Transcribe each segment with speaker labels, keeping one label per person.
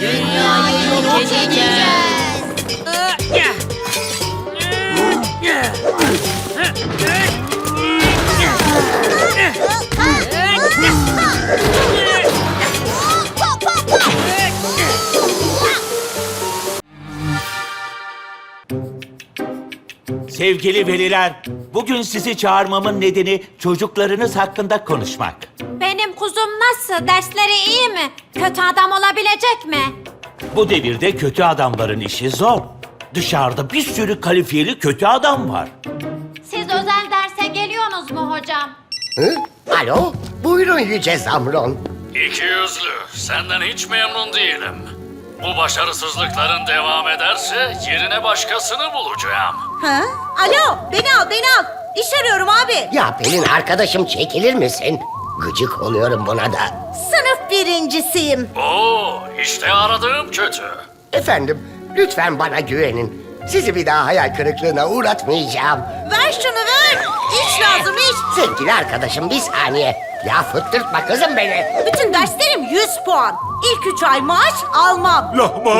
Speaker 1: Dünyayı yok edeceğiz.
Speaker 2: Sevgili veliler, bugün sizi çağırmamın nedeni çocuklarınız hakkında konuşmak.
Speaker 3: Benim kuzum nasıl? Dersleri iyi mi? Kötü adam olabilecek mi?
Speaker 2: Bu devirde kötü adamların işi zor. Dışarıda bir sürü kalifiyeli kötü adam var.
Speaker 3: Siz özel derse geliyorsunuz mu hocam?
Speaker 4: Hı? Alo, buyurun Yüce Zamron.
Speaker 5: İkiyüzlü, senden hiç memnun değilim. Bu başarısızlıkların devam ederse yerine başkasını bulacağım.
Speaker 6: Ha? Alo, beni al. İş arıyorum abi.
Speaker 4: Ya Pelin arkadaşım çekilir misin? Gıcık oluyorum buna da.
Speaker 6: Sınıf birincisiyim.
Speaker 5: Oo, işte aradığım kötü.
Speaker 4: Efendim, lütfen bana güvenin. Sizi bir daha hayal kırıklığına uğratmayacağım.
Speaker 6: Ver şunu ver. İş lazım iş.
Speaker 4: Sevgili arkadaşım bir saniye. Ya fıttırtma kızım beni.
Speaker 6: Bütün derslerim 100 puan. İlk 3 ay maaş almam.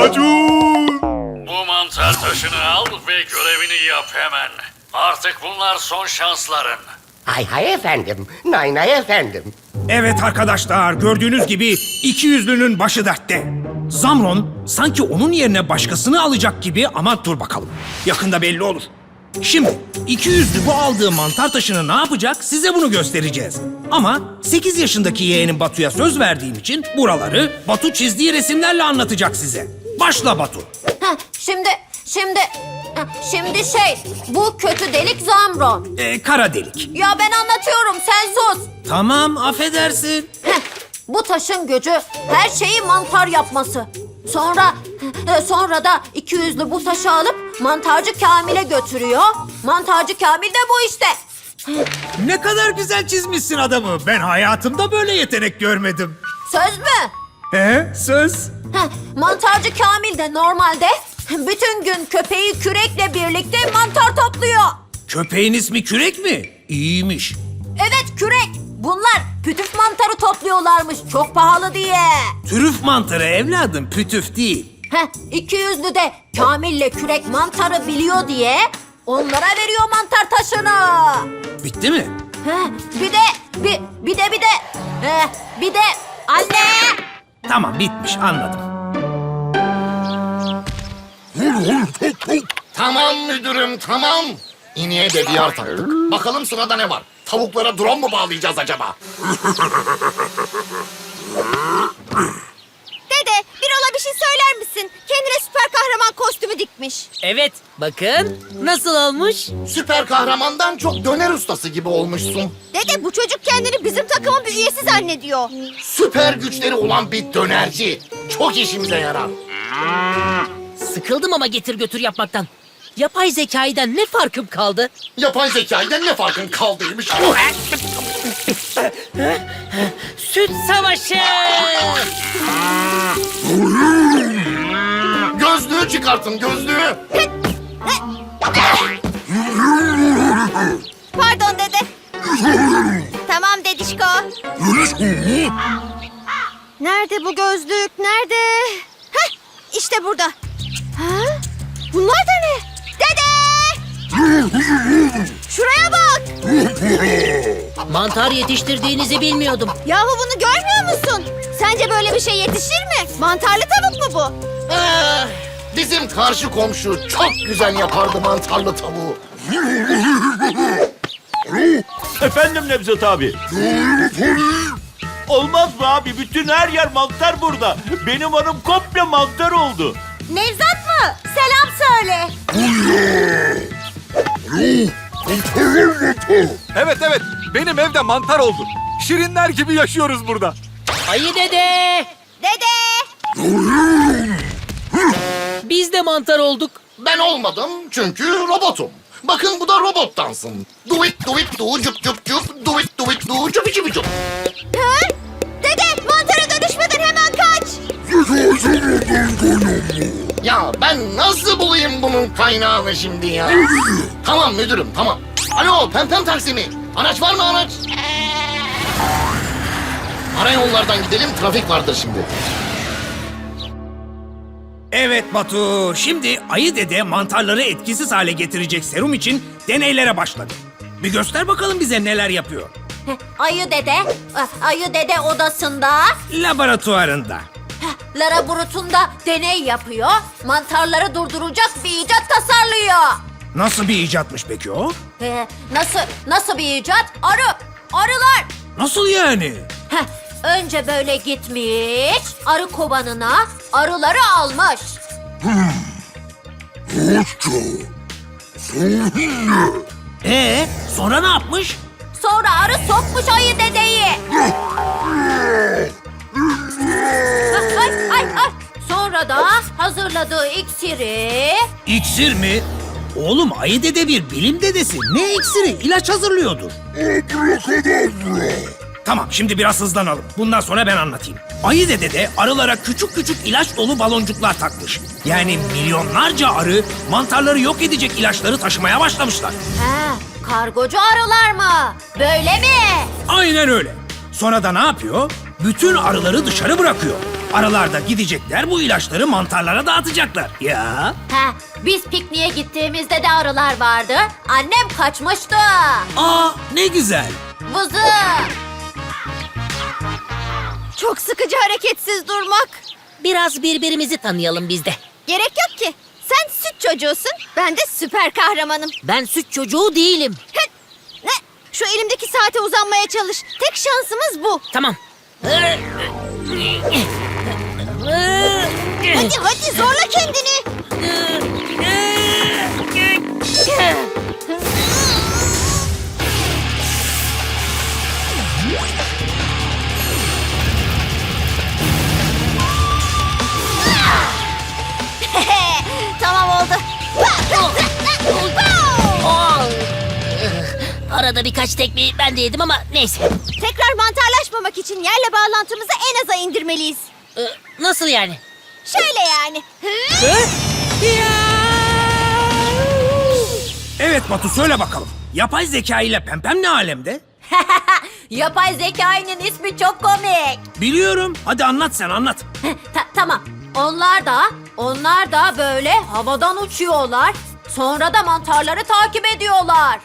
Speaker 5: Bu mantar taşını al ve görevini yap hemen. Artık bunlar son şansların.
Speaker 4: Hay hay efendim, nay nay efendim.
Speaker 7: Evet arkadaşlar, gördüğünüz gibi ikiyüzlünün başı dertte. Zamron sanki onun yerine başkasını alacak gibi ama dur bakalım. Yakında belli olur. Şimdi ikiyüzlü bu aldığı mantar taşını ne yapacak size bunu göstereceğiz. Ama 8 yaşındaki yeğenim Batu'ya söz verdiğim için buraları Batu çizdiği resimlerle anlatacak size. Başla Batu.
Speaker 3: Şimdi bu kötü delik Zamron.
Speaker 7: Kara delik.
Speaker 3: Ya ben anlatıyorum, sen sus.
Speaker 7: Tamam, affedersin.
Speaker 3: Bu taşın gücü her şeyi mantar yapması. Sonra da ikiyüzlü bu taşı alıp mantarcı Kamil'e götürüyor. Mantarcı Kamil de bu işte.
Speaker 7: Ne kadar güzel çizmişsin adamı. Ben hayatımda böyle yetenek görmedim.
Speaker 3: Söz mü?
Speaker 7: Söz.
Speaker 3: Mantarcı Kamil de normalde bütün gün köpeği kürekle birlikte mantar topluyor.
Speaker 7: Köpeğin ismi Kürek mi? İyiymiş.
Speaker 3: Evet, kürek. Bunlar pütüf mantarı topluyorlarmış çok pahalı diye.
Speaker 7: Türüf mantarı evladım, pütüf değil.
Speaker 3: İkiyüzlü de Kamil'le kürek mantarı biliyor diye onlara veriyor mantar taşını.
Speaker 7: Bitti mi?
Speaker 3: Bir de anne.
Speaker 7: Tamam, bitmiş, anladım.
Speaker 8: Tamam müdürüm, tamam. İneğe de diyar taktık. Bakalım sırada ne var? Tavuklara drone mu bağlayacağız acaba?
Speaker 1: Dede, bir ola bir şey söyler misin? Kendine süper kahraman kostümü dikmiş.
Speaker 9: Evet, bakın nasıl olmuş?
Speaker 8: Süper kahramandan çok döner ustası gibi olmuşsun.
Speaker 1: Dede, bu çocuk kendini bizim takımın bir üyesi zannediyor.
Speaker 8: Süper güçleri olan bir dönerci. Çok işimize yarar.
Speaker 9: Sıkıldım ama getir götür yapmaktan. Yapay zekayiden ne farkım kaldı?
Speaker 8: Yapay zekayden ne farkın kaldıymış?
Speaker 9: Süt savaşı!
Speaker 8: Gözlüğü çıkartın, gözlüğü.
Speaker 1: Pardon dede. Tamam dedişko. Nerede bu gözlük? Nerede? Heh, işte burada. Ha? Bunlar da ne? Dede! Şuraya bak.
Speaker 9: Mantar yetiştirdiğinizi bilmiyordum.
Speaker 1: Yahu bunu görmüyor musun? Sence böyle bir şey yetişir mi? Mantarlı tavuk mu bu?
Speaker 8: Bizim karşı komşu çok güzel yapardı mantarlı tavuğu.
Speaker 2: Efendim Nevzat abi. Olmaz mı abi? Bütün her yer mantar burada. Benim hanım komple mantar oldu.
Speaker 6: Nevzat mı? Selam söyle.
Speaker 10: Evet, benim evde mantar oldu. Şirinler gibi yaşıyoruz burada.
Speaker 9: Ayı dede!
Speaker 1: Dede!
Speaker 9: Biz de mantar olduk.
Speaker 8: Ben olmadım çünkü robotum. Bakın bu da robot dansın. Do it do cup cup cup. Do it do cup cup cup.
Speaker 1: Ha? Dede, mantara dönüşmeden hemen kaç.
Speaker 8: Ya ben nasıl bulayım bunun kaynağını şimdi ya? Tamam müdürüm, tamam. Alo, Pempem taksi mi? Araç var mı araç? Ara yollardan gidelim, trafik vardır şimdi.
Speaker 7: Evet Batu, şimdi Ayı Dede mantarları etkisiz hale getirecek serum için deneylere başladı. Bir göster bakalım bize neler yapıyor.
Speaker 3: Ayı dede odasında,
Speaker 7: Laboratuvarında.
Speaker 3: laboratuvarında deney yapıyor. Mantarları durduracak bir icat tasarlıyor.
Speaker 7: Nasıl bir icatmış peki o?
Speaker 3: Nasıl bir icat? Arılar.
Speaker 7: Nasıl yani?
Speaker 3: Önce böyle gitmiş, arı kovanına arıları almış.
Speaker 7: Sonra ne yapmış?
Speaker 3: Sonra arı sokmuş ayı dedeyi. Ay. Sonra da hazırladığı iksiri...
Speaker 7: İksir mi? Oğlum Ayı Dede bir bilim dedesi. Ne iksiri? İlaç hazırlıyordur. Tamam, şimdi biraz hızlanalım. Bundan sonra ben anlatayım. Ayı Dede de arılara küçük küçük ilaç dolu baloncuklar takmış. Yani milyonlarca arı mantarları yok edecek ilaçları taşımaya başlamışlar.
Speaker 3: Kargocu arılar mı? Böyle mi?
Speaker 7: Aynen öyle. Sonra da ne yapıyor? Bütün arıları dışarı bırakıyor. Arılar da gidecekler, bu ilaçları mantarlara dağıtacaklar. Ya.
Speaker 3: Biz pikniğe gittiğimizde de arılar vardı. Annem kaçmıştı.
Speaker 7: Aa, ne güzel.
Speaker 3: Vızı.
Speaker 1: Çok sıkıcı hareketsiz durmak.
Speaker 9: Biraz birbirimizi tanıyalım biz de.
Speaker 1: Gerek yok ki. Sen süt çocuğusun, ben de süper kahramanım.
Speaker 9: Ben süt çocuğu değilim.
Speaker 1: Ne? Şu elimdeki saate uzanmaya çalış. Tek şansımız bu.
Speaker 9: Tamam.
Speaker 1: Hadi zorla kendini. Tamam oldu.
Speaker 9: Arada birkaç tekmeyi ben de yedim ama neyse.
Speaker 1: Tekrar mantarlaşmamak için yerle bağlantımızı en aza indirmeliyiz.
Speaker 9: Nasıl yani?
Speaker 1: Şöyle yani.
Speaker 7: Evet Batu, söyle bakalım. Yapay zeka ile Pempem ne alemde?
Speaker 3: Yapay zekanın ismi çok komik.
Speaker 7: Biliyorum. Hadi anlat, sen anlat.
Speaker 3: Tamam. Onlar da böyle havadan uçuyorlar. Sonra da mantarları takip ediyorlar.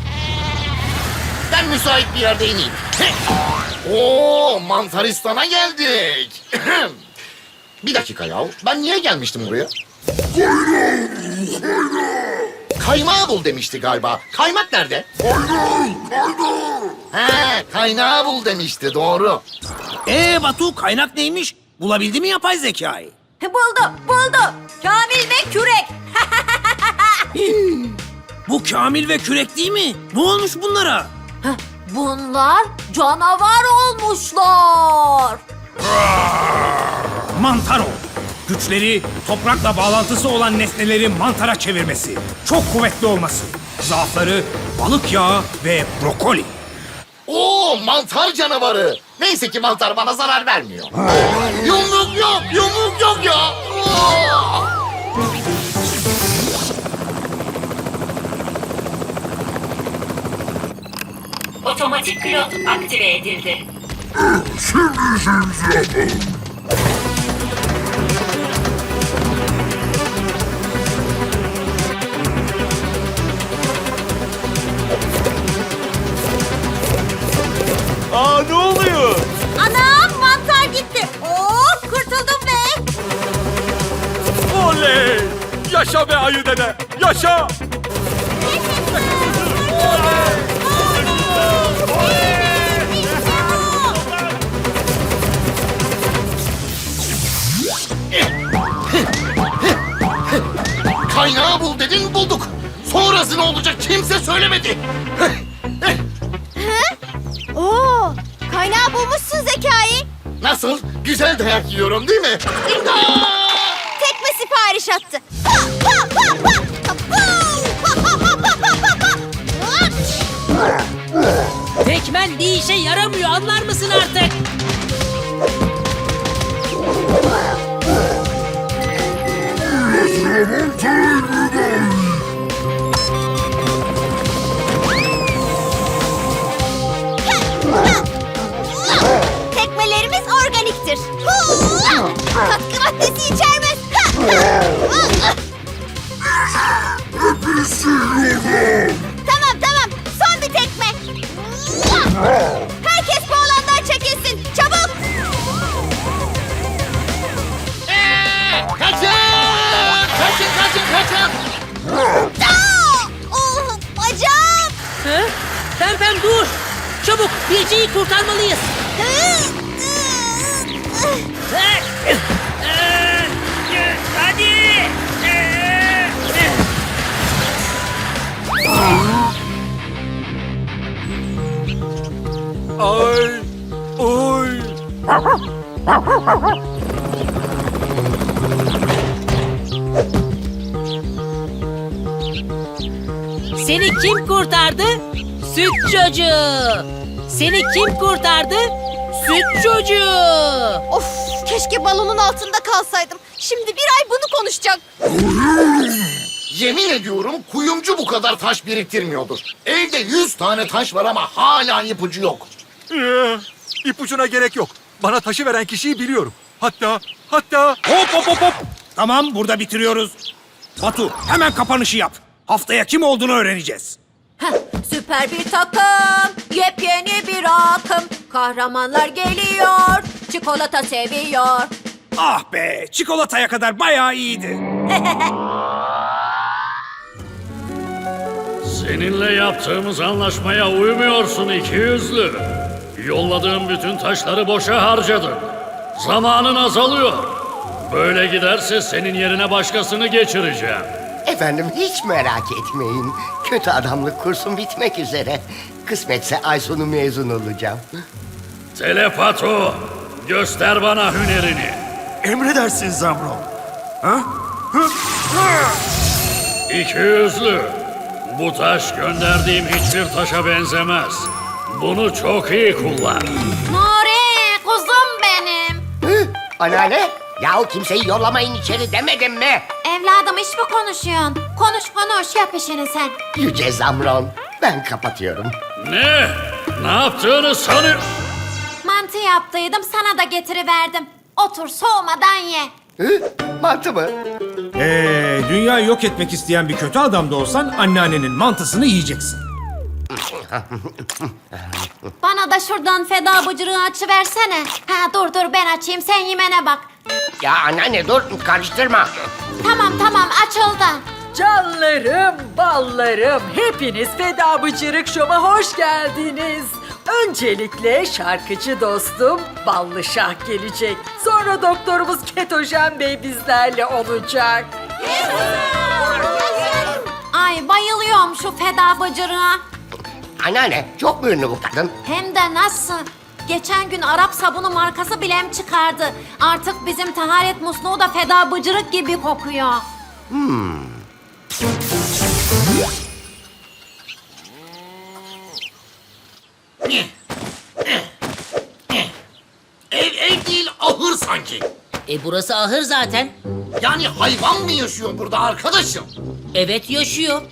Speaker 8: Ben müsait bir yerde ineyim. Oo, Mantaristan'a geldik. Bir dakika ya. Ben niye gelmiştim buraya? Kaymağı bul demişti galiba. Kaymak nerede? He, kaynağı bul demişti, doğru.
Speaker 7: Batu, kaynak neymiş? Bulabildi mi yapay zekayı?
Speaker 3: Buldu. Kamil ve kürek.
Speaker 7: Bu Kamil ve Kürek değil mi? Ne olmuş bunlara?
Speaker 3: Bunlar canavar olmuşlar.
Speaker 7: Mantar ol. Güçleri, toprakla bağlantısı olan nesneleri mantara çevirmesi. Çok kuvvetli olması. Zaafları balık yağı ve brokoli.
Speaker 8: Oo, mantar canavarı. Neyse ki mantar bana zarar vermiyor. Yumruk yok ya. Oo!
Speaker 11: Otomatik pilot aktive edildi.
Speaker 2: Aa, ne oluyor?
Speaker 3: Anam mantar gitti. Kurtuldum be.
Speaker 10: Oley! Yaşa be Ayı Dede! Yaşa!
Speaker 8: Kaynağı bul dedin, bulduk. Sonrası ne olacak kimse söylemedi.
Speaker 1: Oo, kaynağı bulmuşsun Zekai.
Speaker 8: Nasıl? Güzel dayak yiyorum değil mi? İmdat!
Speaker 1: Tekme sipariş attı.
Speaker 9: Tekmen bir işe yaramıyor, anlar mısın artık?
Speaker 1: Tekmelerimiz organiktir. Katkı maddesi içermez. Tamam. Son bir tekme. Herkes bu alandan çekilsin. Çabuk.
Speaker 8: Kaçın!
Speaker 1: Bacağım.
Speaker 9: Pempem dur. Çabuk Birce'yi kurtarmalıyız. Hadi.
Speaker 10: Ay, oy.
Speaker 9: Seni kim kurtardı? Süt çocuğu. Seni kim kurtardı? Süt çocuğu.
Speaker 1: Of, keşke balonun altında kalsaydım. Şimdi bir ay bunu konuşacak.
Speaker 8: Yemin ediyorum kuyumcu bu kadar taş biriktirmiyordur. Evde 100 tane taş var ama hala ipucu yok.
Speaker 10: İpucuna gerek yok. Bana taşı veren kişiyi biliyorum. Hatta
Speaker 7: Hop. Tamam, burada bitiriyoruz. Batu, hemen kapanışı yap. Haftaya kim olduğunu öğreneceğiz.
Speaker 3: Süper bir takım, yepyeni bir akım. Kahramanlar geliyor, çikolata seviyor.
Speaker 7: Ah be, çikolataya kadar bayağı iyiydi.
Speaker 5: Seninle yaptığımız anlaşmaya uymuyorsun ikiyüzlü. Yolladığım bütün taşları boşa harcadın. Zamanın azalıyor. Böyle giderse senin yerine başkasını geçireceğim.
Speaker 4: Efendim hiç merak etmeyin. Kötü adamlık kursum bitmek üzere. Kısmetse ay sonu mezun olacağım.
Speaker 5: Telepato, göster bana hünerini.
Speaker 10: emredersin Zamron.
Speaker 5: İkiyüzlü, bu taş gönderdiğim hiçbir taşa benzemez. Bunu çok iyi kullan.
Speaker 3: Nuri, kuzum benim.
Speaker 4: Hı? Anneanne, yahu kimseyi yollamayın içeri demedim mi?
Speaker 3: Evladım iş mi konuşuyorsun? Konuş yap işini sen.
Speaker 4: Yüce Zamron, ben kapatıyorum.
Speaker 5: Ne? Ne yaptığını sanıyor?
Speaker 3: Mantı yaptıydım sana da getiriverdim. Otur soğumadan ye.
Speaker 4: Hı? Mantı mı?
Speaker 7: Dünyayı yok etmek isteyen bir kötü adam da olsan anneannenin mantısını yiyeceksin.
Speaker 3: Bana da şuradan feda bıcırığı açıversene. Ha dur ben açayım sen yemene bak.
Speaker 4: Ya anneanne dur, karıştırma.
Speaker 3: Tamam açıldı.
Speaker 6: Canlarım, ballarım, hepiniz Feda Bıcırık Şov'a hoş geldiniz. Öncelikle şarkıcı dostum Ballı Şah gelecek. Sonra doktorumuz Ketojen Bey bizlerle olacak.
Speaker 3: Ay bayılıyorum şu feda bıcırığa.
Speaker 4: Anneanne, çok mu ünlü bu kadın?
Speaker 3: Hem de nasıl? Geçen gün Arap sabunu markası bilem çıkardı. Artık bizim taharet musluğu da feda bıcırık gibi kokuyor.
Speaker 8: Ev değil ahır sanki.
Speaker 9: Burası ahır zaten.
Speaker 8: Yani hayvan mı yaşıyor burada arkadaşım?
Speaker 9: Evet yaşıyor.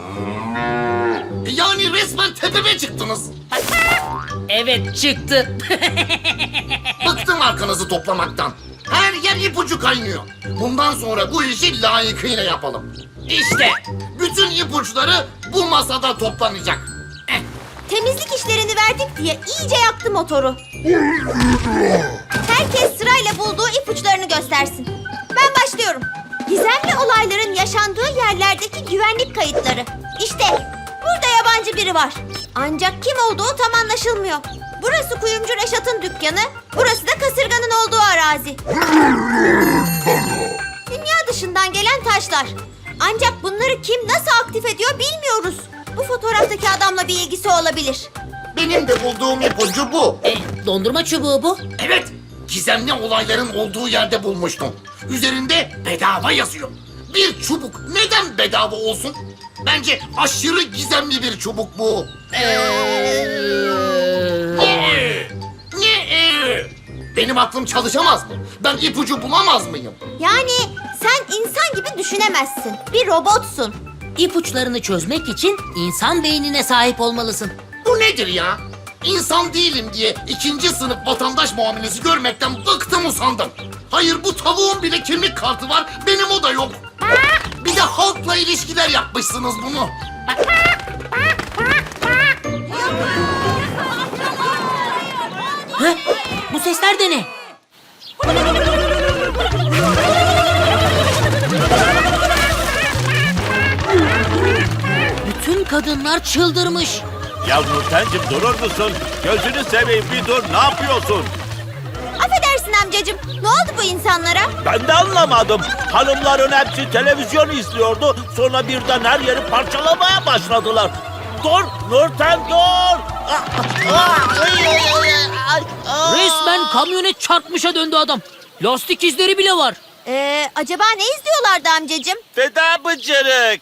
Speaker 8: Yani resmen tepeme çıktınız.
Speaker 9: Evet çıktı.
Speaker 8: Bıktım arkanızı toplamaktan. Her yer ipucu kaynıyor. Bundan sonra bu işi layıkıyla yapalım. İşte bütün ipuçları bu masada toplanacak.
Speaker 1: Temizlik işlerini verdik diye iyice yaktı motoru. Herkes sırayla bulduğu ipuçlarını göstersin. Ben başlıyorum. Gizemli olayların yaşandığı yerlerdeki güvenlik kayıtları. İşte burada yabancı biri var. Ancak kim olduğu tam anlaşılmıyor. Burası kuyumcu Reşat'ın dükkanı, burası da kasırganın olduğu arazi. Dünya dışından gelen taşlar. Ancak bunları kim nasıl aktif ediyor bilmiyoruz. Bu fotoğraftaki adamla bir ilgisi olabilir.
Speaker 8: Benim de bulduğum ipucu bu.
Speaker 9: Dondurma çubuğu bu.
Speaker 8: Evet, gizemli olayların olduğu yerde bulmuştum. Üzerinde bedava yazıyor. Bir çubuk neden bedava olsun? Bence aşırı gizemli bir çubuk bu. Benim aklım çalışamaz mı? Ben ipucu bulamaz mıyım?
Speaker 1: Yani sen insan gibi düşünemezsin. Bir robotsun.
Speaker 9: İpuçlarını çözmek için insan beynine sahip olmalısın.
Speaker 8: Bu nedir ya? İnsan değilim diye ikinci sınıf vatandaş muamelesi görmekten bıktım usandım. Hayır bu tavuğun bile kimlik kartı var, benim o da yok. Bir de halkla ilişkiler yapmışsınız bunu.
Speaker 9: Hı? Bu sesler de ne? Bütün kadınlar çıldırmış.
Speaker 2: Ya Nurten'cim durur musun? Gözünü seveyim bir dur, ne yapıyorsun?
Speaker 1: Affedersin amcacığım. Ne oldu bu insanlara?
Speaker 2: Ben de anlamadım. Hanımların hepsi televizyon izliyordu. Sonra birden her yeri parçalamaya başladılar. Dur Nurten dur!
Speaker 9: Resmen kamyonet çarpmışa döndü adam. Lastik izleri bile var.
Speaker 1: Acaba ne izliyorlardı amcacığım?
Speaker 2: Feda bıcırık.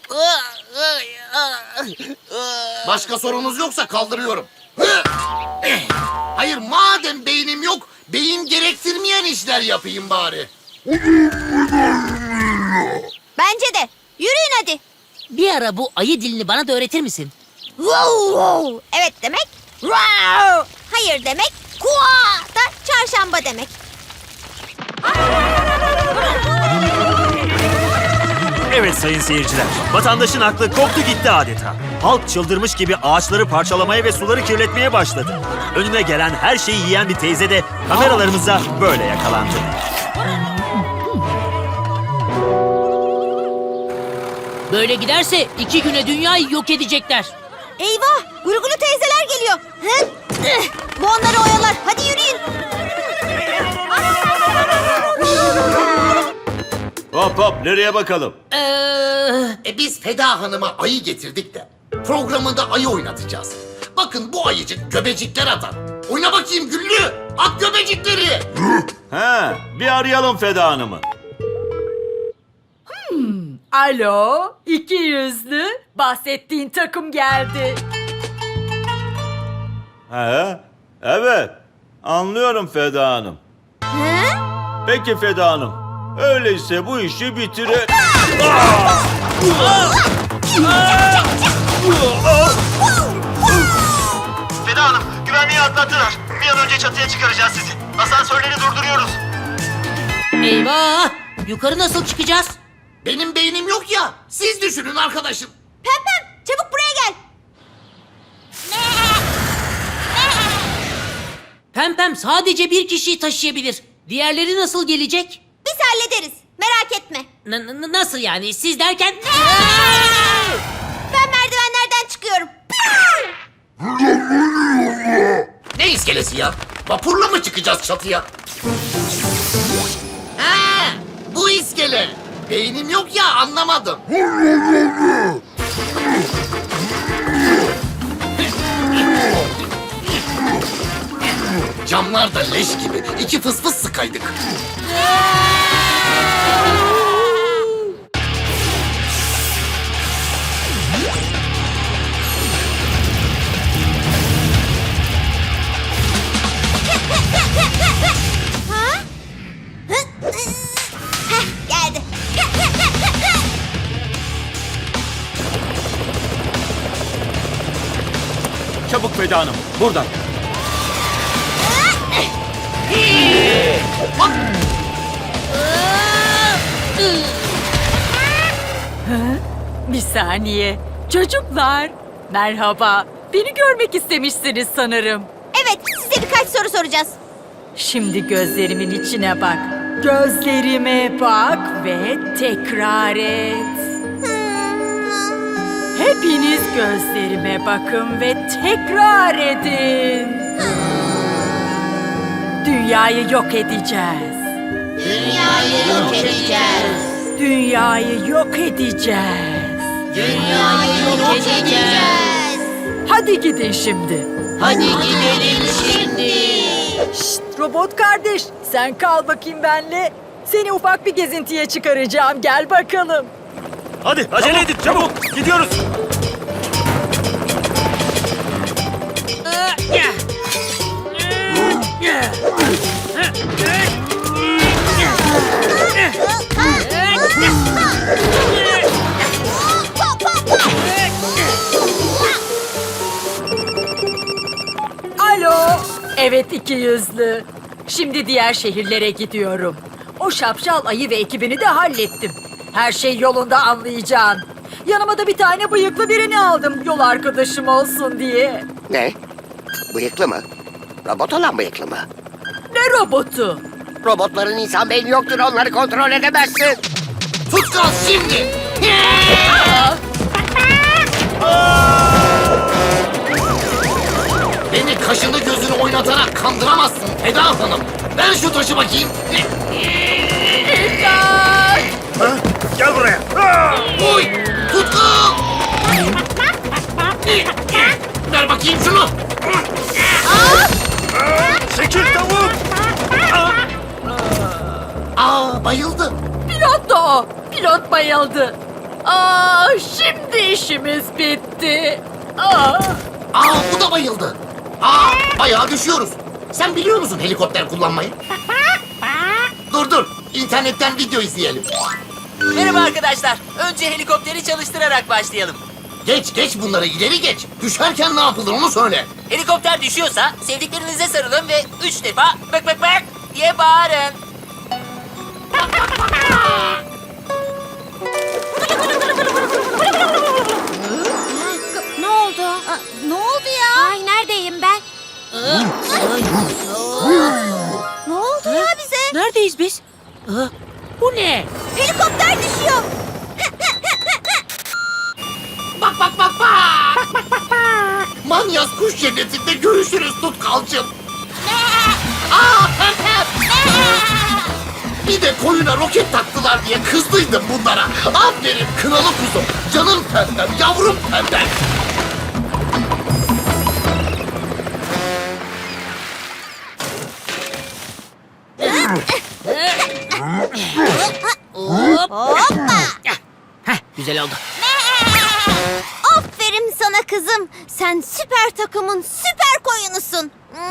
Speaker 8: Başka sorunuz yoksa kaldırıyorum. Hayır madem beynim yok, beyin gerektirmeyen işler yapayım bari.
Speaker 1: Bence de. Yürüyün hadi.
Speaker 9: Bir ara bu ayı dilini bana da öğretir misin?
Speaker 1: Wow, wow. Evet demek. Wow. Hayır demek. Kua da çarşamba demek.
Speaker 12: Evet sayın seyirciler, vatandaşın aklı koptu gitti adeta. Halk çıldırmış gibi ağaçları parçalamaya ve suları kirletmeye başladı. Önüne gelen her şeyi yiyen bir teyze de kameralarımıza böyle yakalandı.
Speaker 9: Böyle giderse 2 güne dünyayı yok edecekler.
Speaker 1: Eyvah. Gurgulu teyzeler geliyor. Hı? Bu onları oyalar. Hadi yürüyün.
Speaker 2: Hop hop nereye bakalım?
Speaker 8: Biz Feda Hanım'a ayı getirdik de programında ayı oynatacağız. Bakın bu ayıcık göbecikler atar. Oyna bakayım Güllü. At göbecikleri.
Speaker 2: He, bir arayalım Feda Hanım'ı.
Speaker 6: Alo, iki yüzlü. Bahsettiğin takım geldi.
Speaker 2: He, evet. Anlıyorum Feda Hanım.
Speaker 1: Hı?
Speaker 2: Peki Feda Hanım. Öyleyse bu işi bitirelim.
Speaker 12: Feda Hanım, güvenliği atlattılar. Bir an önce çatıya çıkaracağız sizi. Asansörleri durduruyoruz.
Speaker 9: Eyvah! Yukarı nasıl çıkacağız?
Speaker 8: Benim beynim yok ya. Siz düşünün arkadaşım.
Speaker 1: Pempem çabuk buraya gel.
Speaker 9: Pempem sadece bir kişiyi taşıyabilir. Diğerleri nasıl gelecek?
Speaker 1: Biz hallederiz. Merak etme.
Speaker 9: Nasıl yani? Siz derken...
Speaker 1: Ben merdivenlerden çıkıyorum.
Speaker 8: Ne iskelesi ya? Vapurla mı çıkacağız çatıya? Ha, bu iskele. Beynim yok ya anlamadım. Camlar da leş gibi. İki fıs fıs sıkaydık.
Speaker 1: Ha? Heh, geldi.
Speaker 2: Çabuk Feda Hanım, buradan.
Speaker 6: Bir saniye. Çocuklar, merhaba. Beni görmek istemişsiniz sanırım.
Speaker 1: Evet, size birkaç soru soracağız.
Speaker 6: Şimdi gözlerimin içine bak. Gözlerime bak ve tekrar et. Hepiniz gözlerime bakın ve tekrar edin. Dünyayı yok edeceğiz.
Speaker 1: Dünyayı yok edeceğiz.
Speaker 6: Dünyayı yok edeceğiz.
Speaker 1: Dünyayı yok edeceğiz.
Speaker 6: Hadi gidin şimdi.
Speaker 1: Hadi gidelim şimdi.
Speaker 6: Şşt, robot kardeş, sen kal bakayım benle. Seni ufak bir gezintiye çıkaracağım. Gel bakalım.
Speaker 12: Hadi acele edin çabuk gidiyoruz.
Speaker 6: Evet ikiyüzlü. Şimdi diğer şehirlere gidiyorum. O şapşal ayı ve ekibini de hallettim. Her şey yolunda anlayacağın. Yanıma da bir tane bıyıklı birini aldım yol arkadaşım olsun diye.
Speaker 4: Ne? Bıyıklı mı? Robot olan bıyıklı mı?
Speaker 6: Ne robotu?
Speaker 4: Robotların insan beyni yoktur, onları kontrol edemezsin.
Speaker 8: Tutkal şimdi. Beni kaşını gözünü oynatarak kandıramazsın Eda Hanım. Ver şu taşı bakayım.
Speaker 12: Gel buraya.
Speaker 8: Oy! Tutkal! Ver bakayım şunu.
Speaker 12: Çekil tavuk.
Speaker 8: Aa, bayıldı.
Speaker 6: Pilot da o. Pilot bayıldı. Şimdi işimiz bitti.
Speaker 8: Aa, bu da bayıldı. Bayağı düşüyoruz. Sen biliyor musun helikopter kullanmayı? Dur, İnternetten video izleyelim.
Speaker 13: Merhaba arkadaşlar. Önce helikopteri çalıştırarak başlayalım.
Speaker 8: Geç bunları, ileri geç. Düşerken ne yapılır onu söyle.
Speaker 13: Helikopter düşüyorsa sevdiklerinize sarılın ve 3 defa bak bak bak diye bağırın.
Speaker 3: Ne oldu? Ne oldu ya? Ay neredeyim ben?
Speaker 1: Ne oldu ya bize?
Speaker 9: Neredeyiz biz? Bu ne?
Speaker 1: Helikopter düşüyor.
Speaker 8: Bak. Manyas kuş cennetinde görüşürüz Tutkalcığım. Bir de koyuna roket taktılar diye kızdıydım bunlara. Aferin kınalı kuzum. Canım pembem, yavrum pembem.
Speaker 9: Güzel oldu.
Speaker 1: Aferin sana kızım. Sen süper takımın süper koyunusun.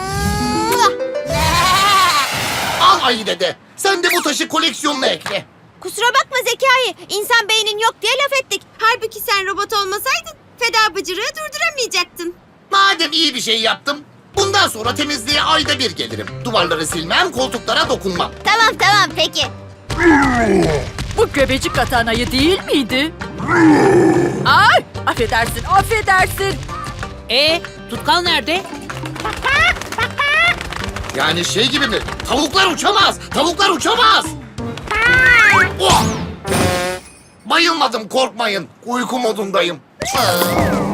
Speaker 8: Al ayı dede. Sen de bu taşı koleksiyonuna ekle.
Speaker 1: Kusura bakma Zekai. İnsan beynin yok diye laf ettik. Halbuki sen robot olmasaydın feda bıcırığı durduramayacaktın.
Speaker 8: Madem iyi bir şey yaptım, bundan sonra temizliğe ayda bir gelirim. Duvarları silmem, koltuklara dokunmam.
Speaker 1: Tamam peki.
Speaker 6: Bu göbecik atan ayı değil miydi? Ay, affedersin.
Speaker 9: Tutkal nerede?
Speaker 8: Yani şey gibi mi? Tavuklar uçamaz. Oh! Bayılmadım, korkmayın. Uyku modundayım.